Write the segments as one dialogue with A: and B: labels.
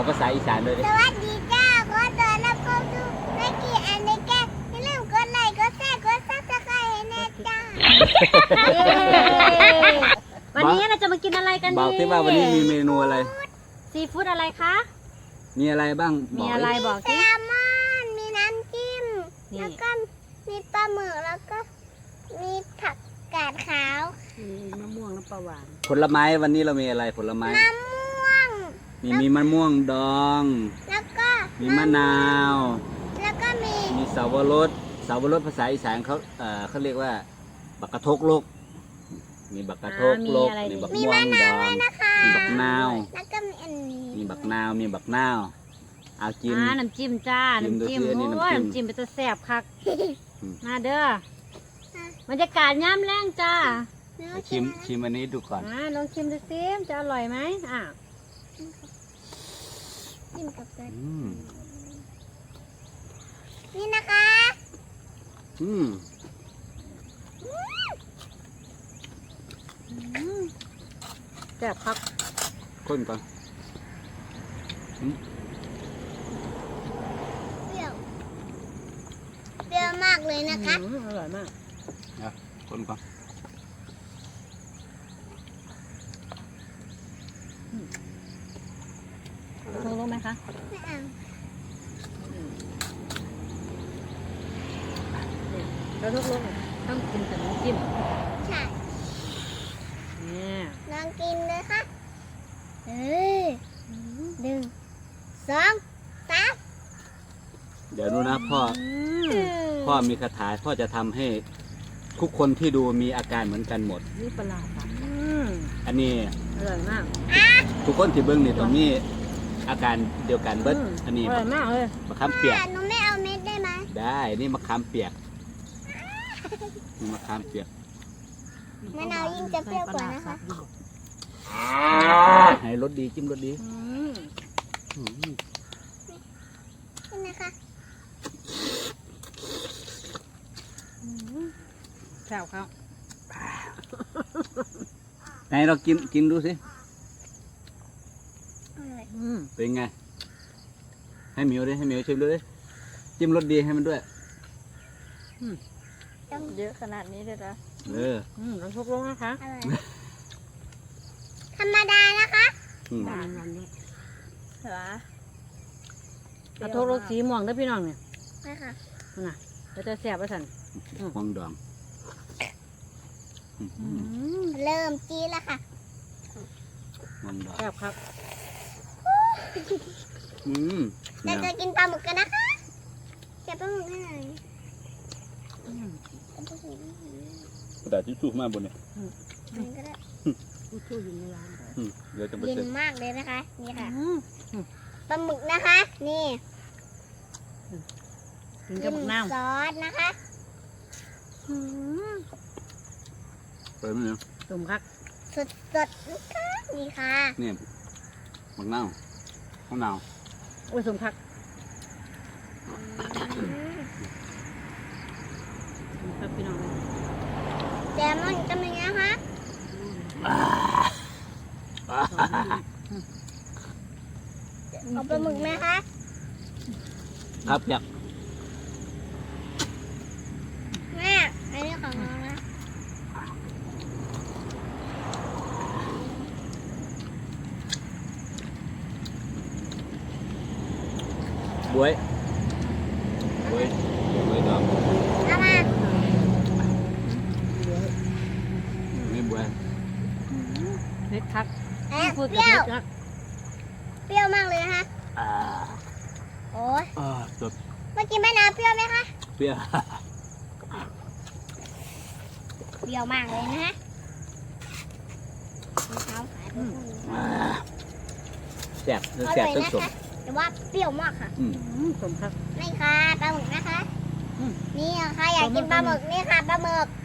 A: ภาษาอีสานด้วยดิ
B: สวัสดีจ้าขอต้อนรับเข้าสู่รายการอันในแกอย่าลืมกดไลค์กดแชร์กดซับสไครต์ให้แน่จ้า
C: วันนี้เราจะมากินอะไรกันดี
A: บอกที่ว่าวันนี้มีเมนูอะไร
C: ซีฟู้ดอะไรคะ
A: มีอะไรบ้าง
C: มีอะไรบอก
B: แซ
C: สิ
B: ลมอนมีน้ำจิ้ม
C: นี่
B: แล้วก็มีปลาหมึกแล้วก็มีผักกาดขาว
C: มะม่วงน้ำปลาหวาน
A: ผลไม้วันนี้เรามีอะไรผลไม้
B: มะม่วง
A: มีมะม่วงดอง
B: แล้วก็
A: มีมะนาว
B: แล้วก็มี
A: มีเสาวรสภาษาอีสานเขาเรียกว่าบักกะทกโลกมีบักกะทกโลกมีบัก
B: มี
A: ม่ว
B: มะ
A: ง
B: นา
A: ด
B: ว
A: อ
B: ด้วย
A: ง
B: นะคะ
A: มีบักนาว
B: แล้วก็มีอันนี้
A: มีบักนาวเอากิน
C: น้ำจิ้มจ้า
A: จิ้ม
C: น้ำจิ้ม
A: ดูสิอันนี้
C: โอ้ย
A: น้ำจิ้ม
C: น้ำจิ้มเป็นตัวแซ่บคัก
A: อืม
C: มาเด้อบรรยากาศย่ำแรงจ้า
B: เนื้อ
A: ชิมอันนี้ดูก่อน
C: ลองชิมดูซิจะอร่อยไหม
B: จิ้มกับเกลือ
A: อืม
B: นี่นะคะ
A: อืม
C: แซ่บคัก
A: คนก่อน
B: เปรี้ยวเปรี้ยวมากเลยนะคะ
C: อร่อยมาก
A: คนก่อน
C: รู้ไหมคะ
B: ไม่เอา
C: เราทุกลูกต้องกินแต่น้ำจิ้ม
B: ใช่
C: เนี่ย
B: ลองกินเลยค่ะหนึ่งสองสาม
A: เดี๋ยวดูนะพ่อมีคาถาพ่อจะทำให้ทุกคนที่ดูมีอาการเหมือนกันหมด
C: นี่ปลาค่ะ
A: อันนี้
C: อร่อยมาก
A: ทุกคนที่เบิ้งนี่ต้องมีอาการเดียวกันเบิ้ลอันนี้
C: อร่อยมากเลย
A: มะขามเปียก
B: หนูไม่เอาเม็ดได้ไหม
A: ได้นี่มะขามเปียกนี่มะขามเปียก
B: มะนาวยิ่งจะเปรี้ยวกว่านะคะ
A: ให้รสดีจิ้มรสดี อืม
B: นี่นะคะ
C: แซ่บครับ
A: ไหนเรากินดูสิ
B: อร่อย
A: เป็นไงให้หมิวดิให้หมิวชิมดูดิจิ้มรสดีให้มันด้วย
C: เยอะขนาดนี้เลยนะ เราทุกลูกนะคะ
B: อร่อยธรรมดานะคะ
A: อืม
C: หวานด้วยเหรอเอาทุกลูกสีม่วงด้วยพี่น้องเนี่ย
B: นี่ค่ะ
C: น่ะเราจะแซ่บไปสั่น
A: ฟองดองอืม
B: เริ่มจีแล้วค่ะ
A: ฟองดอง
C: แซ่บครับ
A: อืม
B: เราจะกินปลาหมึกกันนะคะเก็บปลาหมึกให้หน่อย
A: กระดาษทิชชู่มาบนเนี่ย
B: มันก็ได้
C: ผู้ช่วยอยู่ในร้าน
A: เดี๋ยวจะไป
B: เย็
A: เสร็
B: น
A: จ
B: มากเลยนะคะ นี่ค่ะปลาหมึกนะคะ นี่
C: กินกับน้
B: ซอสนะคะ
A: เปิดไหมเนี่ย
C: ำตุ่มครับ
B: สดๆนะคะนี่ค่ะ
A: นี่มะนาวมะนาว
C: โอ้ยสมคัก
B: อืม
C: ครับพี่น้อง
B: แซลมอนก็มีนะคะเอาปลาหมึกไหมคะ
A: ครับอยาก
B: แม่อันนี้ของน้องนะ
A: บวยบวยดอง
B: เอามา
A: ไม่บวย
C: เผ็ดคัก
B: เอ๊ะ
C: พูด
B: เป
C: กับ
B: รี้ยว
C: เผ็ดคัก
B: เปรี้ยวมากเลยนะคะ
A: อ่า
B: โอ้ย
A: จบ
B: เมื่อกี้แม่น้ำเปรี้ยวไหมคะ
A: เปรี้ยว
B: เปรี้ยวมากเลยนะฮะมะพร้าวขายไปพวกนี้
A: แซ่บ
B: อ
A: แซ่บ
B: ร่อย
A: ต้น
B: นะ
A: สม
B: คะแต่ว่าเปรี้ยวมากค่ะ
C: สมคัก
B: นี่ค่ะปลาหมึกนะคะ
C: อืม
B: นี่ค่ะอยากกินปลาหมึกนี่ค่ะปลาหมึก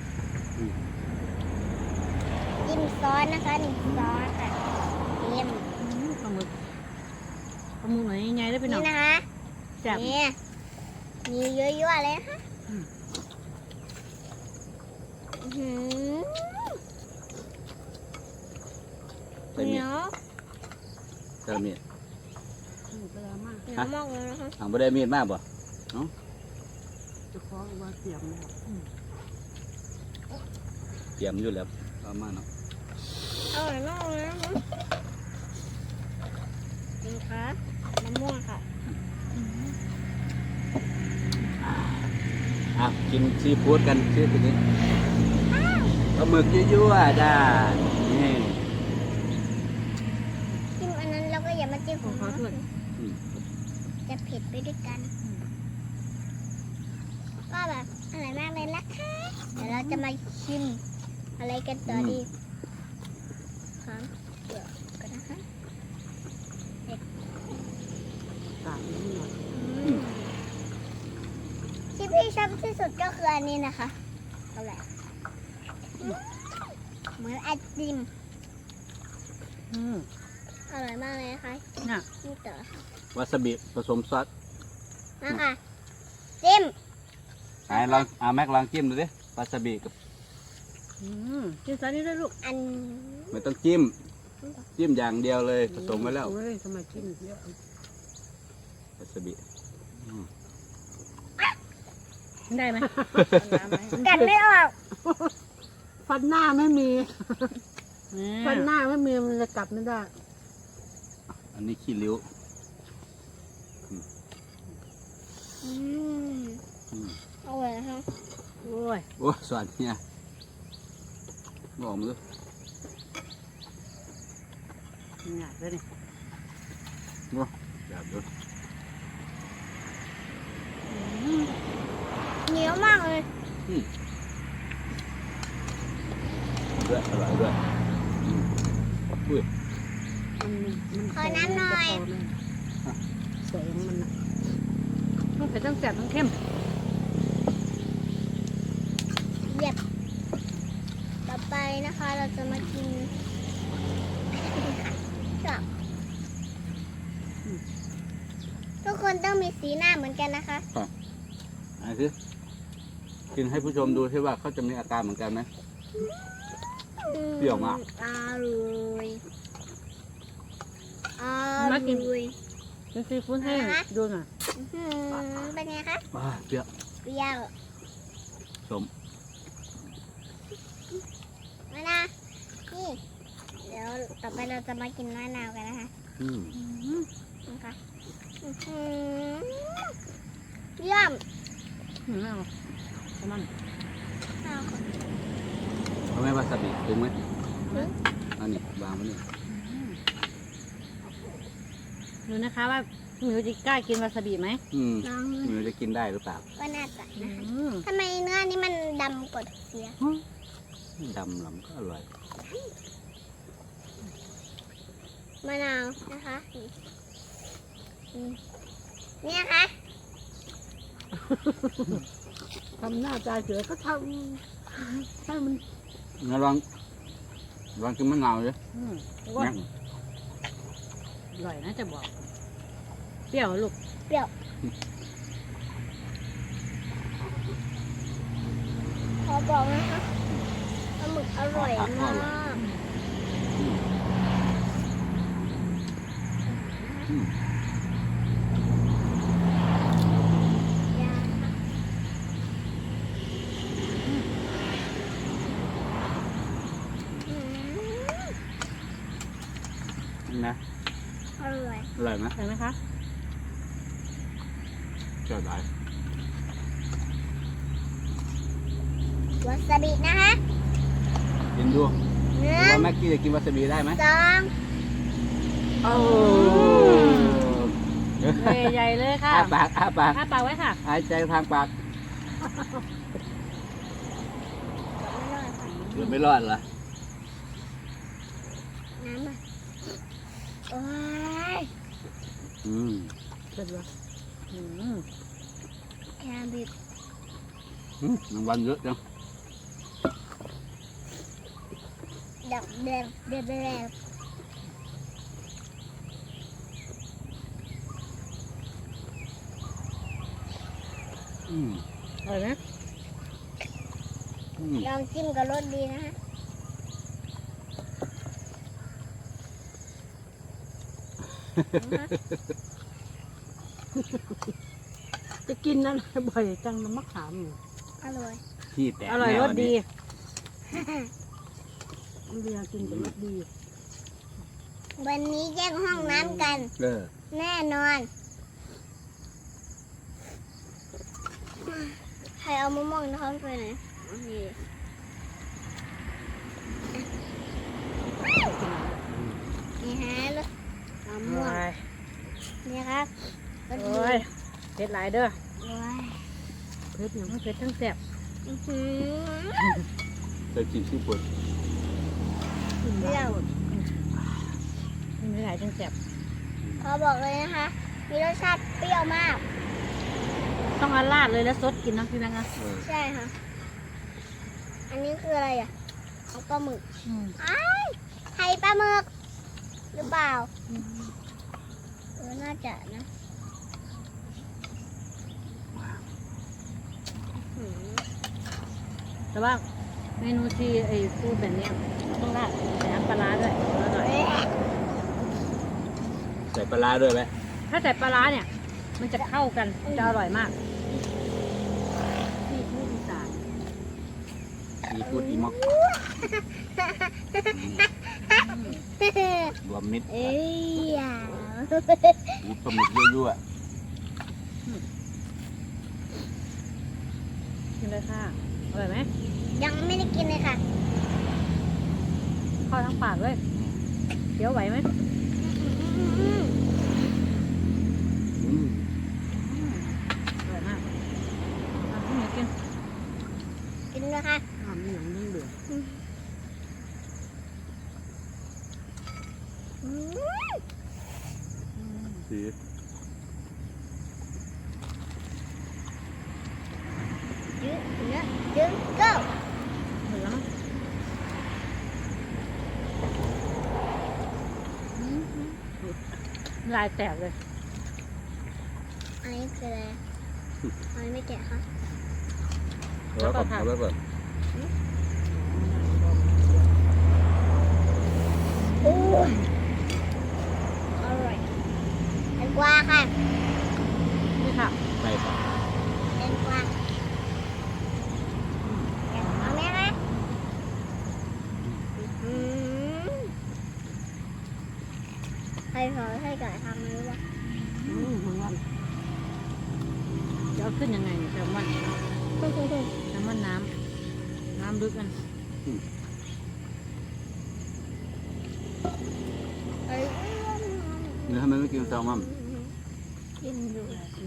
B: จิ้มซอสนะคะหนึ่งซอสค่ะจิ้ม
C: ปลาหมึกหน่อยใหญ่ๆได้พี่น้อง
B: นี่นะคะ
C: แซ่บ
B: นี่มีเยอะๆเลยนะคะ
C: อืม
B: อื้อหือ
A: ใส่เมี
B: เหนี
A: ย
B: ยว
A: ใส่เมีย
C: เวลามาก
B: เหนียวมากเลยนะคะ
A: ทางบ่ได้มีดมากบ่
C: จะคล้องว่าเตรียมแล้ว
A: เตรียมอยู่แล้วประมาณเนาะ
B: อร่อยมากเลยนะคะนี่ค่ะมะม่วงค่ะ
A: กินซีฟู้ดกันชื่อตัวนี้ปลาหมึกยั่วๆจ้านี่
B: จิ้มอันนั้นแล้วก็อย่ามาจิ้มของ
C: ขอ
B: เรา
C: โทษ
A: อืม
B: จะเผ็ดไปด้วยกันก็แบบอร่อยมากเลยนะคะเดี๋ยวเราจะมาชิมอะไรกันต่อดีครับเดี๋ยวกันนะคะ
C: ตากนิดหน่อย
B: ที่พี่ชอบที่สุดก็คืออันนี้นะคะเอาแหละเหมือนไอติมอร่อยมากเลยนะคะ
C: น่ะ
B: นี่ต่อ
A: วาซาบิผสมซอส
B: นะคะจิ้ม
A: ลองแม็กลองจิ้มดูดิวาซาบิกับ
C: กินซะนี่ได้ลูก
B: อัน
A: ไม่ต้องจิ้มอย่างเดียวเลยผสมไว้แล้ว
C: เฮ้ยทำไมกินเยอะ
A: วาซาบิ
C: ได้ไหม
B: กัดไม่ออก
C: ฟันหน้าไม่มีฟันหน้าไม่มีมันจะกลับไม่ได้
A: อันนี้ขี้ริ้ว
B: อืม
A: อืม
B: อร่อยนะคะ
C: โอ้ย
A: โอ้สวัสดีเนี่ยบอกมือ
C: หนักเลยนี่
A: แบบดู
B: เหนียวมากเลย
A: ด้วยอร่อยด้วยอุ้ย
B: ขอน้ำหน่อย
C: แสงมันน่ะมันเป็นตั้งแสบทั้งเข้ม
B: เหยียบต่อไปนะคะ เราจะมากินกับทุกคนต้องมีสีหน้าเหมือนกันนะคะ
A: อันนี้คือกินให้ผู้ชมดูที่ว่าเขาจะมีอาการเหมือนกันไหม เปรี้ยวมาก
B: อร่อยอร่อย
C: กินซีฟู้ดให้ดูหน่อย
B: อื้อหือเป็นไงคะ
A: เปรี้ยว
B: เปรี้ยว
A: สม
B: มะนาวนี่เดี๋ยวต่อไปเราจะมากินมะนาวกันนะคะ นะคะอื้อหือเยี่ยม
C: ไม่เอาประมาณ
B: เอาค่ะ
A: เอาไหมวาซาบิถึงไหมอันนี้วางไว้นี่
C: ดูนะคะว่าหมิวจะกล้ากินวาซาบิไหม
B: ลอง
A: ไมันจะกินได้หรือเปล่า
B: ก็น่าจะนะคะทำไมเนื้อนี่มันดำกว่าเสีย
A: ดำหลำก็อร่อย
B: มะนาวนะคะนี่นะคะ
C: ทำหน้าตาเสือก็ทำให้มัน
A: งั้นลองกินมะนาวเลย
C: ว่าอร่อยนะจะบอก เปรี้ยวลูก
B: เปรี้ยวขอบอกนะคะปลาหมึกอร่อยมาก
A: อืม
B: ยาอืม
A: นะ
B: อร่อย
A: อร่อยไหม
C: เห็นไหมคะ
A: เจ้าหลายว
B: าซาบินะคะ
A: กินดู
B: หนึ่
A: ว่าง แม็กกี้จะกินวาซาบิได้ไหม
B: สอง
C: โอ้ใหญ่เลยค่ะ
A: อ้าปากอ้าปาก
C: อ้าปากไว้ค่ะ
A: หายใจทางปากเกือบไม่รอดเหรอ
B: น้ำอ่ะโอ้ย
C: เสร็จแล้ว
B: แคบิด
A: รางวัลเยอะจัง
B: ดับเด็บเด็บเด็บ
C: อร่อยไหม
B: ลองจิ้มกับรสดีนะฮะ
C: จะกินนั่นบ่อยจังน้ำมะขามอยู่
B: อร่อย
A: ที่แตก
C: อร่อย
A: แน่
C: ร
A: วั
C: ส
A: น
C: ดี
A: นี้
C: เรียกินแต่รสดี
B: วันนี้แยกห้องน้ำกัน
A: เออ
B: แน่นอน ใครเอามะม่วงน้ำไปไหนนี่นี่ฮะรสมะม่วงนี่ครับรสดี
C: โอ้ยเผ็ดหลายเด้อ
B: โอ้ย
C: เผ็ดอย่างเผ็ดทั้งแซ่บ
B: อื้อหือ
A: เคยกินซีฟู้ด
C: กินหลายคนกินหลายทั้งแซ่บ
B: ขอบอกเลยนะคะ มีรสชาติเปรี้ยวมาก
C: ต้องเอาราดเลยแล้วซดกินนะพี่แบงค์นะ
A: เออ
B: ใช่ค่ะ อันนี้คืออะไรอ่ะเอาปลาหมึก
C: อืม
B: อ้ายไข่ปลาหมึก หรือเปล่า น่าจะนะอื้อหือ
C: แต่ว่าเมนูที่ไอ้ฟูดแบบเนี้ยต้องราดใส่น้ำปลาร้าด้วยอร่อย
B: เอ๊ะ
A: ใส่ปลาร้าด้วยไหม
C: ถ้าใส่ปลาร้าเนี่ย มันจะเข้ากันจะอร่อยมากที่ผู้อีสาน
A: ซีฟู้ดอีม็อกรวมมิตร
B: เอ้ยอ่ะ
A: อูปลาหมึกยั่ว
C: กินเลยค่ะอร่อยไหม
B: ยังไม่ได้กินเลยค่ะ
C: เข้าทั้งปากเลยเคี้ยวไหวไหม
A: ๆอืม
C: อร่อยมากพี่หมีกิน
B: กินเลยค่ะ
C: มีหนังยิ่งเบื่อ
B: อืม
A: สี
B: ยืดเนื้อยืดเก้า
C: เหมือนแล้วมั้งลายแตกเลย
B: อันนี้คืออะไรอันนี้ไม่แกะค่ะ
A: เอาไว้ก่อนเอาไว้ก่อน
B: โอ้ยอร่อยแตงกวาค่ะ
C: นี่ค่ะ
A: ไปก่อน
B: แตงกวาเอาไหมคะอืมใครขอให้ไก่ทำไม่รู้ว่า
C: เหมือนกันจะเอาขึ้นยังไงเนี่ยแซลมอนแซลมอนน้ำลึกกัน
A: เนื้อทำไมไม่กินแซลมอน
B: กินอยู่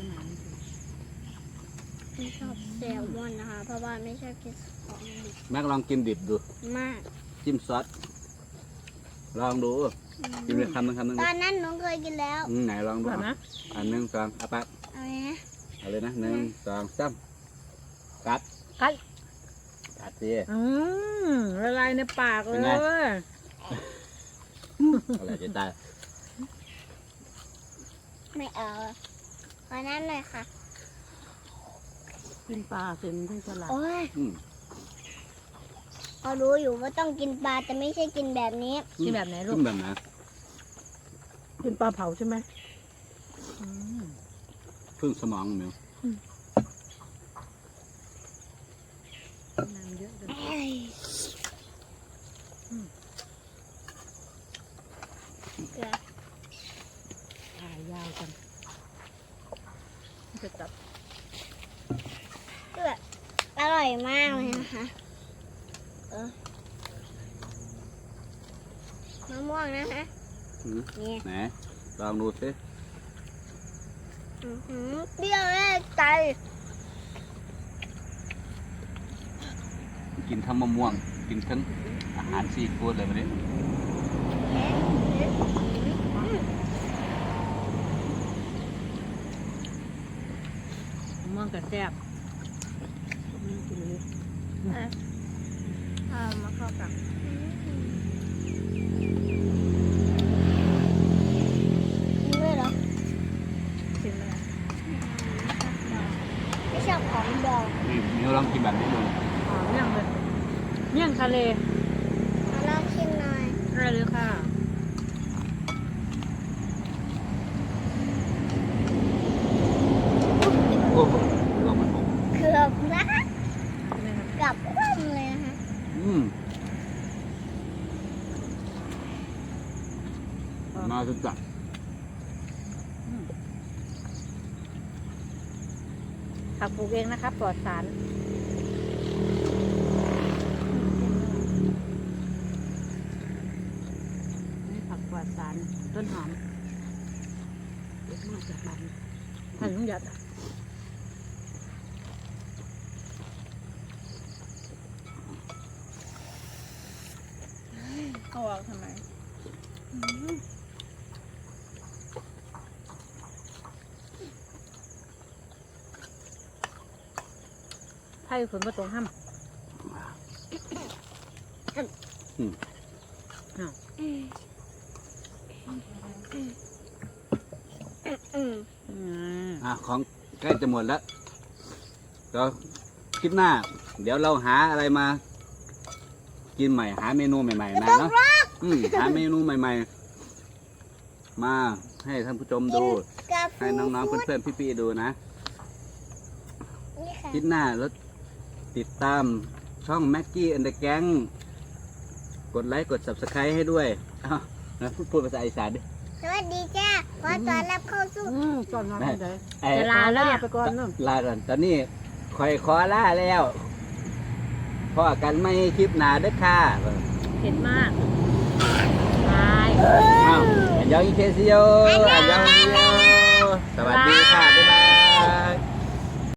B: ไม่ชอบแซลมอนนะคะ เพราะว่าไม่ชอบกินของดิบ
A: แม็กลองกินดิบดู
B: มาก
A: จิ้มซอสลองดูกินเลยคำหนึงคำหนึง
B: ตอนนั้นหนูเคยกินแล้ว
A: ไหนลองดู
C: แบบนะ
A: อันหนึ่งสองเอาปาก
B: เอาไหมนะ
A: เอาเลยนะหนึ่งสองสามกัด
C: กัด
A: กัดสิ
C: ละลายในปากเล
A: เป็นไง
C: ย
A: อะไรจะตาย
B: ไม่เอาขอนั้นเลยค่ะ
C: กินปลาเสร็จมันถึงฉลาด
B: โอ้ย
A: อืม
B: เขารู้อยู่ว่าต้องกินปลาแต่ไม่ใช่กินแบบนี้
C: กินแบบไหนลู
A: กิ
C: ก
A: นแบบไหน
C: กินปลาเผาใช่ไหม
A: พึ่งสมองมิว
C: น้ำเยอะเลย
B: เกลือ
C: ถ่ายยาวกันจะจับ
B: เกลืออร่อยมากเลยนะคะมะม่วงนะคะ
A: อืม
B: นี่
A: ไหนลองดูสิ
B: อื้อหือเปรี้ยวแน่ใจ
A: กินทั้งมะม่วง กินทั้งอาหารซีฟู้ดเลยวันนี้
C: มะม่วงกับแซ่บกินเลย
B: มาเข้ากันด้วยเหรอ
C: ชิมเลย
B: ไม่ชอบของดอง
A: นี่มิวลองกินแบบนี้ดู
C: เมี่ยงเลยเมี่ยงทะเล
B: มาลองชิมหน่อย
C: ได้เลยค่ะ
A: มาสุดจัด
C: ผักปลูกเองนะครับปลอดสารนี่ผักปลอดสารต้นหอมเด็ดมากจากบ้านท่านลุงหยัด
D: เอาออกทำไม
C: ไผ่ฝนมาตรงห้ำ
A: ของใกล้จะหมดแล้วก็คลิปหน้า เดี๋ยวเราหาอะไรมา กินใหม่หาเมนูใหม่ๆมาเนาะหาเมนูใหม่ๆ มาให้ท่านผู้ชมดู ให้น้องๆเพื่อนๆพี่ๆดูนะ
B: นี่ค่ะ
A: คลิปหน้าแล้วติดตามช่องแม็กกี้แอนด์แก๊งกดไลค์กด subscribe ให้ด้วยอ้าวนะพูดภาษาอีสานดิ
B: สวัสดีจ้าขอต้อนรับเข้าสู่
C: ก่อนนอนไม่ได้
A: ไอ้
C: จะลาแล้วเนี่ยไปก่อนเนาะ
A: ลาก่อนตอนนี้คอยขอลาแล้วพอกันไม่คลิปหนาเด้อค่ะ
C: เผ็ดมากตาย
A: อ้าวอันยองอีเคซิโยอันยองอี